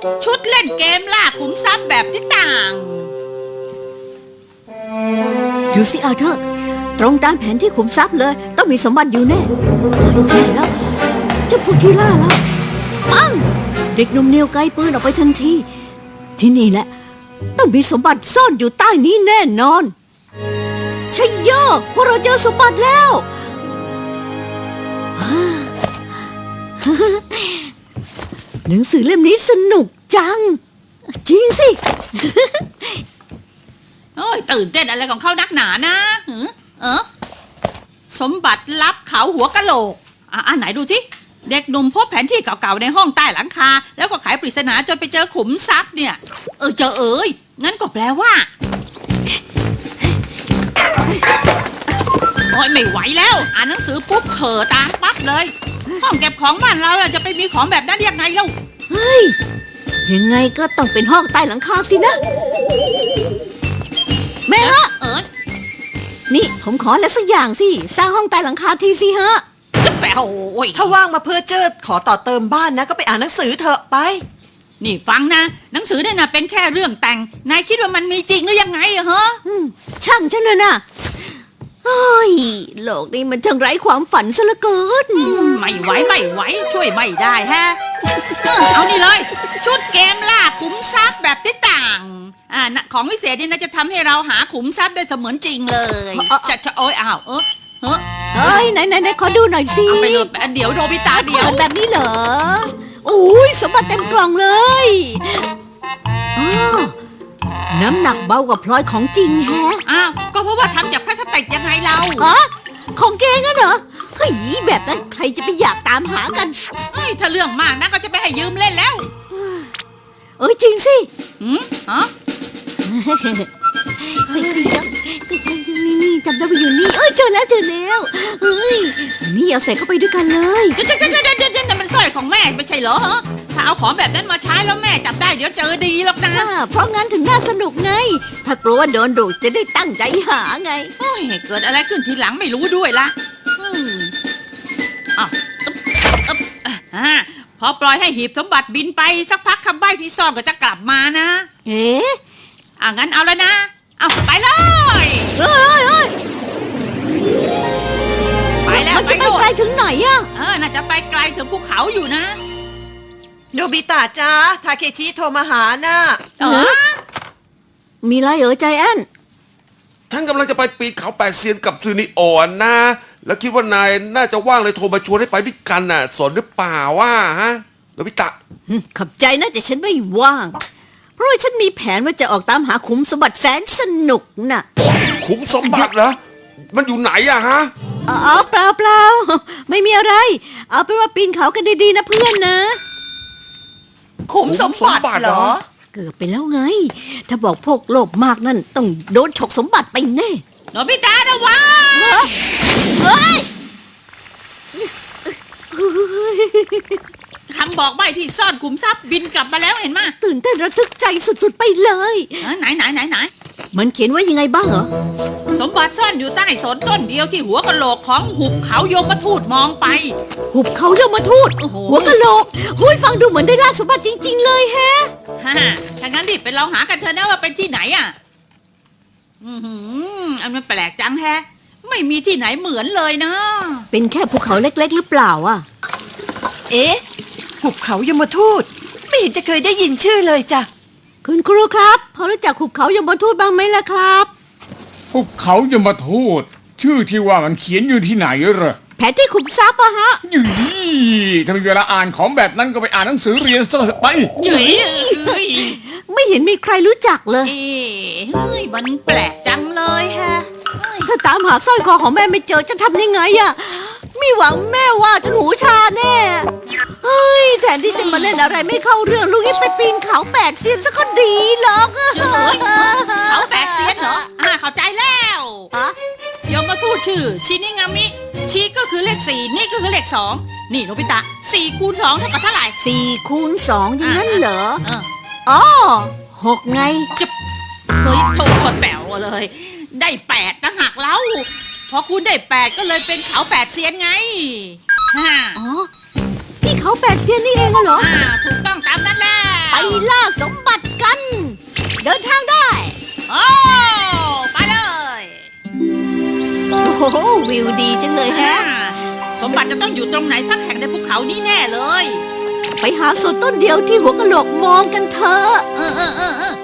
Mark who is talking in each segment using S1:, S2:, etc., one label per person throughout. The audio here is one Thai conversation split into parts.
S1: ชุดเล่นเกมล่าขุมทรัพย์แบบที่ต่าง
S2: ดูสิอาเธอร์ตรงตามแผนที่ขุมทรัพย์เลยต้องมีสมบัติอยู่แน่ใช่แล้วเจ้าพวกที่ล่าแล้วปังเด็กหนุ่มเนียวไกลปืนออกไปทันทีที่นี่แหละต้องมีสมบัติซ่อนอยู่ใต้นี้แน่นอนชัยโยพวกเราเจอสมบัติแล้วหนังสือเล่มนี้สนุกจังจริงสิ
S1: โอ้ยตื่นเต้นอะไรของเขานักหนานะสมบัติลับเขาหัวกะโหลกไหนดูสิเด็กหนุ่มพบแผนที่เก่าๆในห้องใต้หลังคาแล้วก็ไขปริศนาจนไปเจอขุมทรัพย์เนี่ยเจองั้นก็แปลว่าโอ้ยไม่ไหวแล้วอ่านหนังสือปุ๊บเผลอตามปั๊บเลยห้องเก็บของบ้านเราจะไปมีของแบบนั้นยังไงเล่า
S2: เฮ้ยยังไงก็ต้องเป็นห้องใต้หลังคาสินะแม่ฮะนี่ผมขออะไรสักอย่างสิสร้างห้องใต้หลังคาทีสิฮะ
S1: จะแปลโอ้ย
S3: ถ้าว่างมาเพื่อเจอขอต่อเติมบ้านนะก็ไปอ่านหนังสือเถอะไป
S1: นี่ฟังนะหนังสือเนี่ยนะเป็นแค่เรื่องแต่งนายคิดว่ามันมีจริงหรือยังไงอะฮะ
S2: ช่างฉันเลยนะเฮ้ยโลกนี้มันช่างไร้ความฝันซะเหลือเกิน
S1: ไม่ไหวช่วยไม่ได้ฮะเอานี่เลยชุดเกมล่าขุมทรัพย์แบบที่ต่างของวิเศษนี่นะจะทำให้เราหาขุมทรัพย์ได้เสมือนจริงเลยจะโอ้ย
S2: เฮ้ยไหนขอดูหน่อยสิ
S1: เอาไปเลยเดี๋ยวโดบิตาเดี๋ยว
S2: แบบนี้เหรอโอ้ยสมบัติเต็มกล่องเลยน้ำหนักเบากว่าพลอยของจริงแฮะ
S1: ก็เพราะว่าทำจากพลาสติกยังไงเรา
S2: ของแกงั้นเหรอเฮ้ยแบบนั้นใครจะไปอยากตามหากัน
S1: ถ้าเรื่องมากนะก็จะไปให้ยืมเล่นแล้ว
S2: จริงสินี่จำได้ไปอยู่นี่เจอแล้วนี่เอาใส่เข้าไปด้วยกันเลย
S1: เดี๋ยวมันสร้อยของแม่ไม่ใช่เหรอถ้าเอาของแบบนั้นมาใช้แล้วแม่จับได้เดี๋ยวเจอดีหรอกนะ
S2: เพราะงั้นถึงน่าสนุกไงถ้ากลัวว่าโดนดุจะได้ตั้งใจหาไง
S1: เกิดอะไรขึ้นทีหลังไม่รู้ด้วยละพอปล่อยให้หีบสมบัติบินไปสักพักคำใบ้ที่ซ่อนก็จะกลับมานะงั้นเอาแล้วนะไปเลยไปแล้ว
S2: มันจะไปไกลถึงไหนอะ
S1: น่าจะไปไกลถึงภูเขาอยู่นะ
S3: โนบิตะจ้าทาเคชิโทรมาหาน่ะ
S2: มีไรใจแอน
S4: ฉันกำลังจะไปปีนเขาแปดเซียนกับซูนิโอนนะแล้วคิดว่านายน่าจะว่างเลยโทรมาชวนให้ไปด้วยกันน่ะสนหรือเปล่าว่าฮะโนบิตะ
S2: ขอบใจนะแต่ฉันไม่ว่างเพราะว่าฉันมีแผนว่าจะออกตามหาขุมสมบัติแสนสนุกน่ะ
S4: ขุมสมบัติเหรอมันอยู่ไหนอะฮะ
S2: เปล่าไม่มีอะไรเอาเป็นว่าปีนเขากันดีๆนะเพื่อนนะ
S3: ขุมสมบัติเหรอ
S2: เกือบไปแล้วไงถ้าบอกพวกโลภมากนั่นต้องโดนฉกสมบัติไปแน่
S1: โนบิตะนะวะคำบอกใบ้ที่ซ่อนขุมทรัพย์บินกลับมาแล้วเห็นมั้ย
S2: ตื่นเต้นระทึกใจสุดๆไปเลย
S1: ไหน
S2: มันเขียนว่ายังไงบ้างเหรอ
S1: สมบัติซ่อนอยู่ใต้สนต้นเดียวที่หัวกะโหลกของหุบเขายมทูตมองไป
S2: หุบเขายมทูตหัวกะโหลกหุ้ยฟังดูเหมือนได้ล่าสมบัติจริงๆเลยแฮะ
S1: ถ้างั้นรีบไปลองหากันเถอะนะว่าเป็นที่ไหนอันมันแปลกจังแฮะไม่มีที่ไหนเหมือนเลยนะ
S2: เป็นแค่ภูเขาเล็กๆหรือเปล่า
S3: หุบเขายมทูตไม่เห็นจะเคยได้ยินชื่อเลยจ้ะ
S2: คุณครูครับพอรู้จักหุบเขายมทูตบ้างไหมล่ะครับ
S5: หุบเขายมทูตชื่อที่ว่ามันเขียนอยู่ที่ไหนเหรอ
S2: แผนที่ขุมทรัพย์ฮะ
S5: ถ้ามีเวลาอ่านของแบบนั้นก็ไปอ่านหนังสือเรียนซะไป
S2: ไม่เห็นมีใครรู้จักเลย
S1: มันแปลกจังเลยฮะ
S2: ถ้าตามหาสร้อยคอของแม่ไม่เจอจะทำยังไงมีหวังแม่ว่าจะหูชาแน่แทนที่จะมาเล่นอะไรไม่เข้าเรื่องลูกนี่ไปปีนเขาแปดเซียนซะก็ดีหรอก
S1: เขาแปดเซียนเหรอเข้าใจแล้วยมทูตชื่อชินิงามิชิก็คือเลข4นี่ก็คือเลข2นี่โนบิตะ4 คูณ 2เท่ากับเท่าไหร่
S2: 4 คูณ 2อย่างนั้นเหรอ6ไง
S1: จะโทษคนแป๋วเลยได้8ต่างหากเล่าพอคุณได้8ก็เลยเป็นเขา8เซียนไง
S2: ที่เขา8เซียนนี่เองเหรอ
S1: ถูกต้องตามนั้นแหละ
S2: ไปล่าสมบัติกัน เดินทางได้
S1: โอ้ไปเลย
S2: โอ้โหวิวดีจังเลยแฮะ
S1: สมบัติจะต้องอยู่ตรงไหนสักแห่งในภูเขานี้แน่เลย
S2: ไปหาส่วนต้นเดียวที่หัวกะโหลกมองกันเถอะ
S1: เออ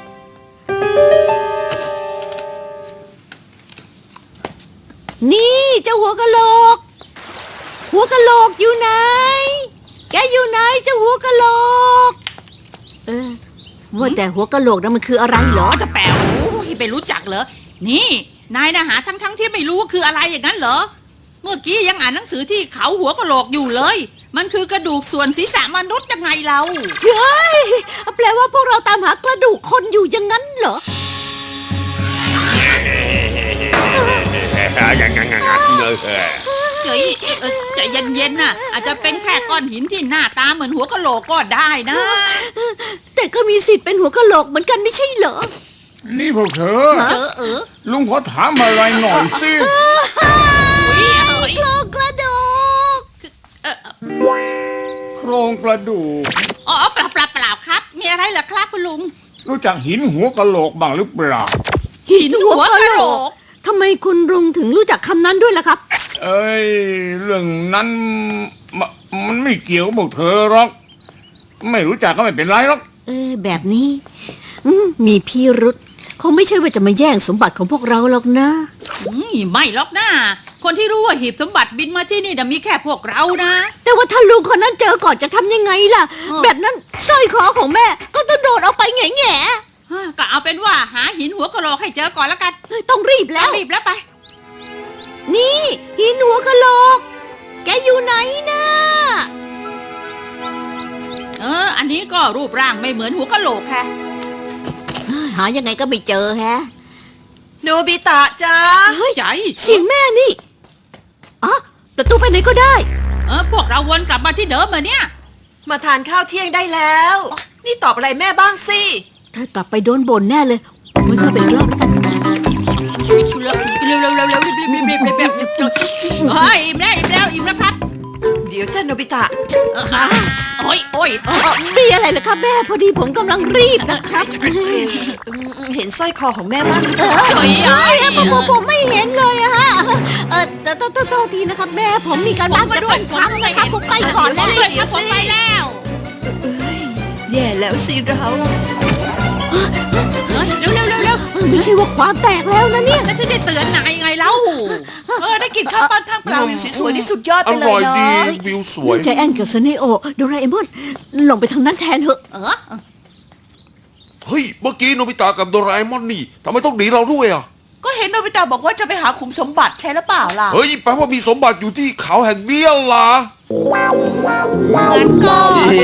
S2: นี่เจ้าหัวกะโหลก หัวกะโหลกอยู่ไหน แกอยู่ไหนเจ้าหัวกะโหลก ว่าแต่หัวกะโหลกนั้นมันคืออะไรเหรอ
S1: อ๋อจะแป๋วไปรู้จักเหรอ นี่นายนะหาทั้งที่ไม่รู้ว่าคืออะไรอย่างนั้นเหรอ เมื่อกี้ยังอ่านหนังสือที่เขาหัวกะโหลกอยู่เลย มันคือกระดูกส่วนศีรษะมนุษย์ยังไงเรา
S2: เฮ้ยแปลว่าพวกเราตามหากระดูกคนอยู่อย่างนั้นเหรอ
S1: เจ๋ยใจเย็นๆน่ะ อาจจะเป็นแค่ก้อนหินที่หน้าตาเหมือนหัวกะโหลกก็ได้นะ
S2: แต่ก็มีสิทธิ์เป็นหัวกะโหลกเหมือนกันไม่ใช่เหรอ
S5: นี่พวกเธอ
S1: เจอ
S5: ลุงขอถามอะไรหน่อยสิ
S2: โครงกระดูก
S5: โครงกระดูก
S1: อ๋อเปล่าครับ มีอะไรเหรอครับคุณลุง
S5: รู้จักหินหัวกะโหลกบ้างหรือเปล่า
S1: หินหัวกะโหลก
S2: ทำไมคุณลุงถึงรู้จักคำนั้นด้วยล่ะครับ
S5: เอ้ยเรื่องนั้นมันไม่เกี่ยวกับพวกเธอหรอก ไม่รู้จักก็ไม่เป็นไรหรอก
S2: แบบนี้มีพิรุษคงไม่ใช่ว่าจะมาแย่งสมบัติของพวกเราหรอกนะ
S1: ไม่หรอกนะคนที่รู้ว่าหีบสมบัติบินมาที่นี่น่ะมีแค่พวกเรานะ
S2: แต่ว่าถ้าลุงคนนั้นเจอก่อนจะทำยังไงล่ะ แบบนั้นสร้อยคอของแม่ก็ต้องโดนเอาไปแง่
S1: ก็เอาเป็นว่าหาหินหัวกะโหลกให้เจอก่อนแล้วกัน
S2: ๆต้องรีบแล้ว
S1: รีบแล้วไป
S2: นี่หินหัวกะโหลก แกอยู่ไหนนะ
S1: อันนี้ก็รูปร่างไม่เหมือนหัวกะโหลกค่ะ
S2: หายังไงก็ไม่เจอแฮะ
S3: โนบิตะจ้า
S1: ใจ
S2: เสียงแม่นี่อ๋อประตูไปไหนก็ได้
S1: พวกเราวนกลับมาที่เดิมเหมือนเนี่ย
S3: มาทานข้าวเที่ยงได้แล้ว นี่ตอบอะไรแม่บ้างสิ
S2: ถ้ากลับไปโดนบ่นแน่เลยมันก็เป็นรอบกัน
S1: เร็วรีบเฮ้ยอิ่มแล้วครับ
S3: เดี๋ยวจ้าโนบิตะ
S1: โอ้ย
S2: มีอะไรเหรอครับแม่พอดีผมกำลังรีบนะครับ
S3: เห็นสร้อยคอของแม่บ้าง
S2: ผมไม่เห็นเลยอะฮะแต่โทษทีนะครับแม่ผมมีการบ้านจะต้องทำนะครับผมไปก่อนแล้ว
S1: ผมไปแล้ว
S3: แย่แล้วสิเรา
S1: เร็ว
S2: ไม่ใช่ว่าความแตกแล้วนะเนี่ย
S1: แล้วจะได้เตือนนายไงเล่า
S3: ได้กินข้าวปั้นท่ามกลางวิวสวยๆนี่สุดยอด
S4: อ
S3: ไปเล
S4: ร่อย ย
S3: เนา
S4: ดี
S3: ะ
S4: วิวสวย
S2: ใจแอนกับซเนโอโดราเอมอนลงไปทางนั้นแทนเถอะ
S4: เฮ้ย เมื่อกี้โนบิตะกับโดราเอมอนนี่ทำไมต้องหนีเราด้วยอ่ะ
S3: ก็เห็นโนบิตะบอกว่าจะไปหาขุมสมบัติใช่หรือเปล่าล่ะ
S4: เฮ้ย แปลว่ามีสมบัติอยู่ที่เขาแห่งเนี้ยล่ะ
S1: งั้นก็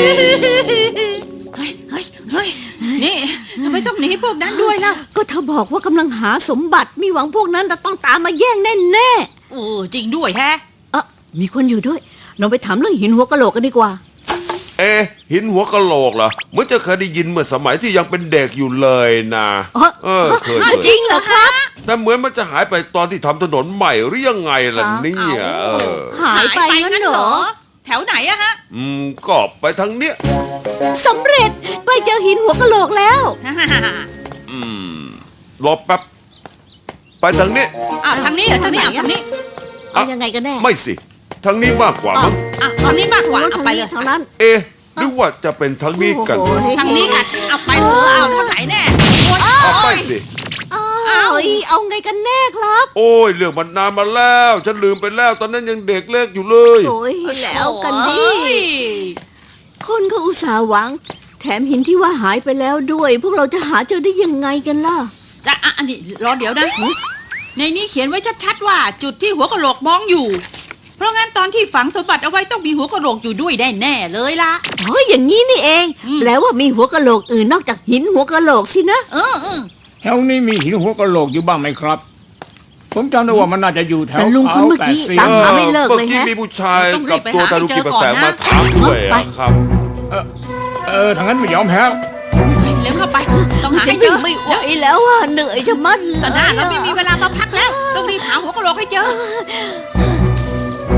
S1: เฮ้ยนี่ทำไมต้องหนีพวกนั้นด้วยล่ะ
S2: ก็เธอบอกว่ากำลังหาสมบัติมีหวังพวกนั้นจะต้องตามมาแย่งแน่
S1: โอ้จริงด้วยแฮะ
S2: มีคนอยู่ด้วยเราไปถามเรื่องหินหัวกะโหลกกันดีกว่า
S4: หินหัวกะโหลกเหรอเหมื่อนจะเคยได้ยินเมื่อสมัยที่ยังเป็นเด็กอยู่เลยนะเคย
S2: จริงเหรอครับ
S4: แต่เหมือนมันจะหายไปตอนที่ทำถนนใหม่หรือยังไงล่ะเนี่ย
S2: หายไปงั้นเหรอ
S1: แถวไหนอะฮะ
S4: ก็ไปทางเนี้ย
S2: สำเร็จใกล้เจอหินหัวกะโหลกแล้ว
S4: รอแป๊บ ไปทางนี้
S1: ทางนี้เหรอทางนี้ทางนี้
S2: เอายังไงกันแน่
S4: ไม่สิ ทางนี้มากกว่ามั้ง
S1: ทางนี้มากกว่าเอา
S2: ทาง
S1: ไป
S2: นี้
S1: เลย
S2: ทางนั้น
S4: หรือว่าจะเป็นทางนี้กัน
S2: โอ้โห
S1: ทางนี้กันเอาไปเถอะเอาทางไหนแน่โอ้ย
S4: เอาไปสิ
S2: เอาไงกันแน่ครับ
S4: โอ้ยเรื่องมันนานมาแล้ว ฉันลืมไปแล้ว ตอนนั้นยังเด็กเล็กอยู่เลย
S2: โอ้ยแล้วกันดิ
S1: โอ้ย
S2: คนก็อุตส่าห์หวัง แถมหินที่ว่าหายไปแล้วด้วย พวกเราจะหาเจอได้ยังไงกันล่ะ
S1: อันนี้รอเดี๋ยวนะ ในนี้เขียนไว้ชัดๆว่าจุดที่หัวกะโหลกมองอยู่ เพราะงั้นตอนที่ฝังสมบัติเอาไว้ต้องมีหัวกะโหลกอยู่ด้วยแน่ๆเลยล่ะ
S2: อย่างนี้นี่เองแปลว่ามีหัวกะโหลกอื่นนอกจากหินหัวกะโหลกสินะ
S5: แถวนี้มีหินหัวกะโหลกอยู่บ้างไหมครับ ผมจำได้ว่ามันน่าจะอยู่แถว
S2: แต่ลุงคนเมื่อกี้
S5: เขา
S2: ตามหาไม่เลิกเลย
S4: เมื่อกี้
S2: ฮะ
S4: มีผู้ชายกับตัวตาลุกิแปลกๆมาถามด้วย
S2: ไป
S4: ครับ
S5: ทางนั้นไม่ยอมแพ้
S1: เร็วเข้าไป ต้องหา
S2: ฉั
S1: ให้
S2: น
S1: เจ
S2: วิ่ง
S1: อ
S2: ไม่ไหวแล้วอ่ะเหนื่อยจะมัดเล
S1: แต่
S2: ย
S1: หน้าเราไม่มีเวลามาพักแล้ว ต้องรีบหาหัวกะโหลกให้เจอ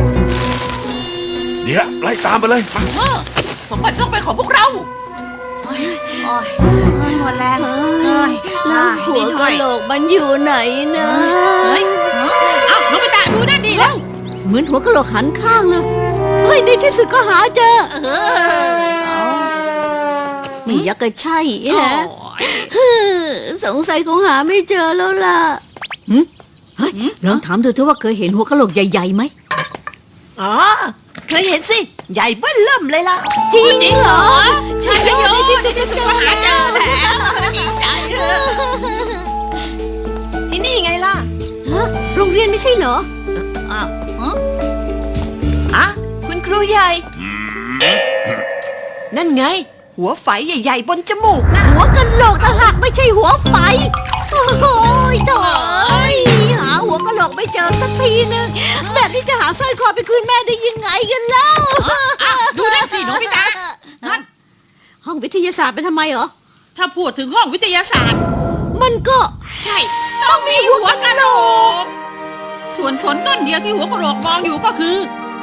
S4: เดี๋ยวไล่ตามไปเลยมา
S3: สมบัติต้องเป็นของพวกเรา
S1: ฮโอ้ยหมดแรงเอ้ย
S2: แล้วหัวกะโหลกมันอยู่ไหนนะ
S1: เฮ้ยเอ้าโนบิตะดูนั่นดีแล้ว
S2: เหมือนหัวกะโหลกหันข้างเลยเฮ้ยในที่สุดก็หาเจอไม่อยากจะใช่
S1: โอ้
S2: ฮะ
S1: ย
S2: สงสัยคงหาไม่เจอแล้วล่ะเฮ้ยลองถามดูเถอะว่าเคยเห็นหัวกะโหลกใหญ่ๆไหม
S3: อ๋อ เคยเห็นสิ ใหญ่เบ้อเริ่มเลยล่ะ
S2: จริง
S1: จริงเหรอ
S2: ใช่
S1: ใช่
S2: โย
S1: โย
S2: ในที่สุด
S1: ในที่สุดก็หาเจอแล้วดีใจเลย
S3: ที่นี่ไงล่ะ
S2: ฮะโรงเรียนไม่ใช่เหรอ
S1: อ้าว
S3: อ่ะ คุณครูใหญ่ นั่นไง หัวไฝใหญ่ๆบนจมูกนะ
S2: หัวกะโหลกต่างหากไม่ใช่หัวไฟ โอ้โหโถ่หาหัวกะโหลกไม่เจอสักทีนึงแบบนี้จะหาสร้อยคอไปคืนแม่ได้ยังไงกันเล่า
S1: อ้าวดูนั่นสิโนบิตะนั่น
S2: ห้องวิทยาศาสตร์เป็นทำไมเหรอ
S1: ถ้าพูดถึงห้องวิทยาศาสตร์
S2: มันก็
S1: ใช่ ต้องมีหัวกะโหลก ส่วนสนต้นเดียวที่หัวกะโหลกมองอยู่ก็คือ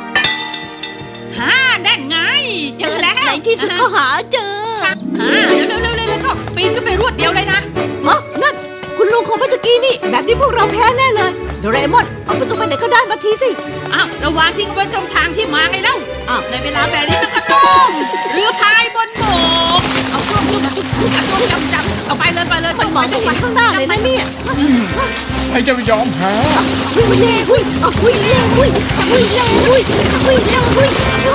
S1: นั่นไง เจอแล้ว
S2: ในที่สุดก็หาเจอ
S1: เร็วเข้าปีนขึ้นไปรวดเดียวเลยนะ
S2: อ๋อนั่นคุณลุงของเมื่อกี้นี่ แบบนี้พวกเราแพ้แน่เลยโดราเอมอนเอาประตูไปไหนก็ได้มาทีสิ
S1: อ้าวระวางทิ้งไว้ตรงทางที่มาไงเล่า
S2: อ้าว
S1: ในเวลาแบบนี้มันก็ต้องเรือพายบนบกเอาช่วงจุดจับเอาไปเลย
S2: มันมองตรงไปข้างหน้าเลยนะเนี่ย
S5: ใครจะไปยอมแพ้
S2: วิ่งเร็ววิ่งวิ่งเร็ววิ่งวิ่งเร็ววิ่งวิ่งเร็ววิ่ง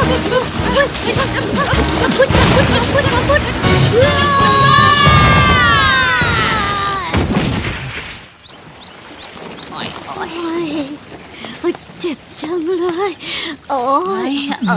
S2: สับพุทเจ็บจังเลยโอ้ย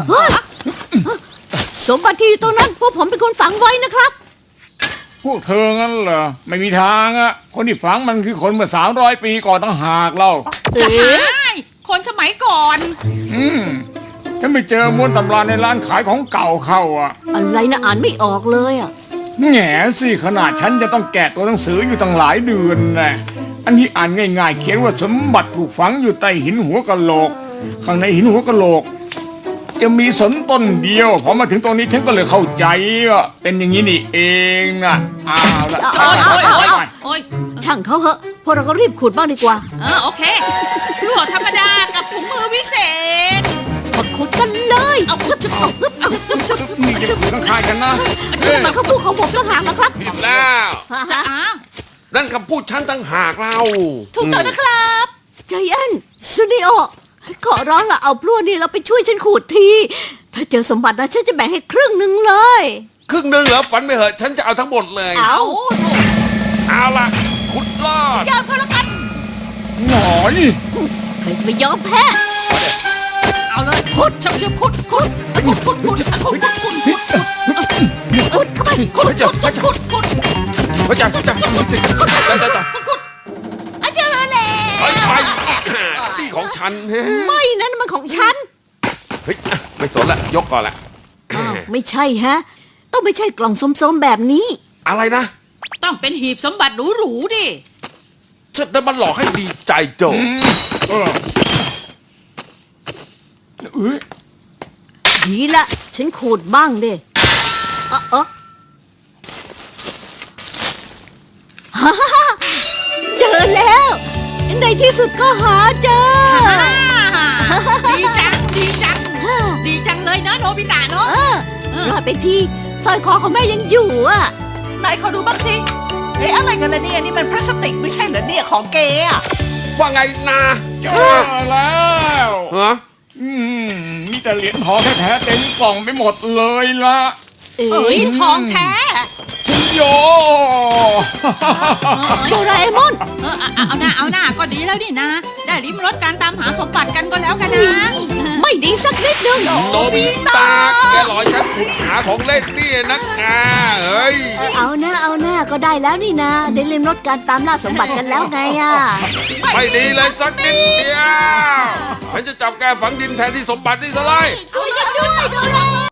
S2: สมบัติที่อยู่ตรงนั้นพวกผมเป็นคนฝังไว้นะครับ
S5: พวกเธองั้นเหรอไม่มีทางอะคนที่ฝังมันคือคนเมื่อ300 ปีก่อนตั้งหากเล่า
S1: จะหายคนสมัยก่อน
S5: ฉันไปเจอม้วนตำราในร้านขายของเก่าเข้าอ่ะ
S2: อะไรนะอ่านไม่ออกเลยอ่ะ
S5: แง่สิขนาดฉันจะต้องแกะตัวหนังสืออยู่ตั้งหลายเดือนนะอันที่อ่านง่ายๆ เขียนว่าสมบัติถูกฝังอยู่ใต้หินหัวกะโหลก ข้างในหินหัวกะโหลก จะมีสนต้นเดียวพอมาถึงตรงนี้ฉันก็เลยเข้าใจว่าเป็นอย่างนี้นี่เองนะอ้าวละ
S1: โอ้ย
S2: ช่างเขาเหอะพวกเราก็รีบขุดบ้างดีกว่า
S1: โอเคพลวดธรรมดากับถุงมือวิเศษ
S2: มาขุดกันเลย
S1: เอาชุบ
S5: นี่จะอยู่ข้างๆกันนะ
S2: นี่มันคำพูดของผมต่างหากนะครับ
S4: ผิดแล้ว
S1: จะ
S4: นั่นคำพูดฉันตั้งหากเรา
S2: ถูกต้องนะครับใจแอนซูนิโอขอร้องละเอาพลั่วนี่เราไปช่วยฉันขุดที ถ้าเจอสมบัตินะฉันจะแบ่งให้ครึ่งหนึ่งเลย
S4: ครึ่งหนึงเหรอฝันไม่เหอะฉันจะเอาทั้งหมดเลย เอาล่ะขุดลอด
S2: ยอมก็แล้วกัน
S5: หน่อย
S2: ใครจะไปยอมแพ้
S1: เอาเลยขุดชุบขุดขุดเข้าไปขุด
S4: พระเจ้าพระเจ้าเจ้า
S2: เจอแล้ว
S4: ไปนี่ของฉันเฮ้ย
S2: ไม่นั่นมันของฉัน
S4: ไม่สนละยกก่อนละ
S2: อ้าวไม่ใช่ฮะ ต้องไม่ใช่กล่องส้มๆแบบนี้
S4: อะไรนะ
S1: ต้องเป็นหีบสมบัติหรูๆดิ
S4: ฉันนั้นมันหลอกให้ดีใจโจ
S5: เออเอ้ย
S2: ดีละฉันขูดบ้างดิฮ่าฮ่าเจอแล้ว ในที่สุดก็หาเจอ
S1: ดีจังดีจังเลยเนอะโนบิตะเนาะ
S2: รอดไปทีสร้อยคอของแม่ยังอยู่อ่ะ
S3: ไหนขอดูบ้างสิเฮ้ยอะไรกันล่ะเนี่ยนี่มันพลาสติกไม่ใช่เหรอเนี่ยของเกอะ
S4: ว่าไงนะ
S5: เจอแล้ว
S4: ฮะ
S5: มีแต่เหรียญทองแท้ๆเต็มกล่องไปหมดเลยละ
S2: เอ๋
S1: เอ้ยทองแท้
S5: ชินโย
S2: โดราเอมอน
S1: เอาหน้าก็ดีแล้วนี่นะ ได้ลิ้มรสการตามหาสมบัติกันก็แล้วกันนะ
S2: ไม่ดีสักนิดนึง
S4: โนบิตะแกหลอยฉันขุดหาของเล่นนี่นักเฮ้ย
S2: เอาหน้าก็ได้แล้วนี่นะได้เล่มรถการตามล่าสมบัติกันแล้วไงอ่ะ
S4: ไม่ดีเลยสักนิดเดียวฉันจะจับแกฝังดินแทนที่สมบัตินี่ซะเลย
S2: ช่วยด้วย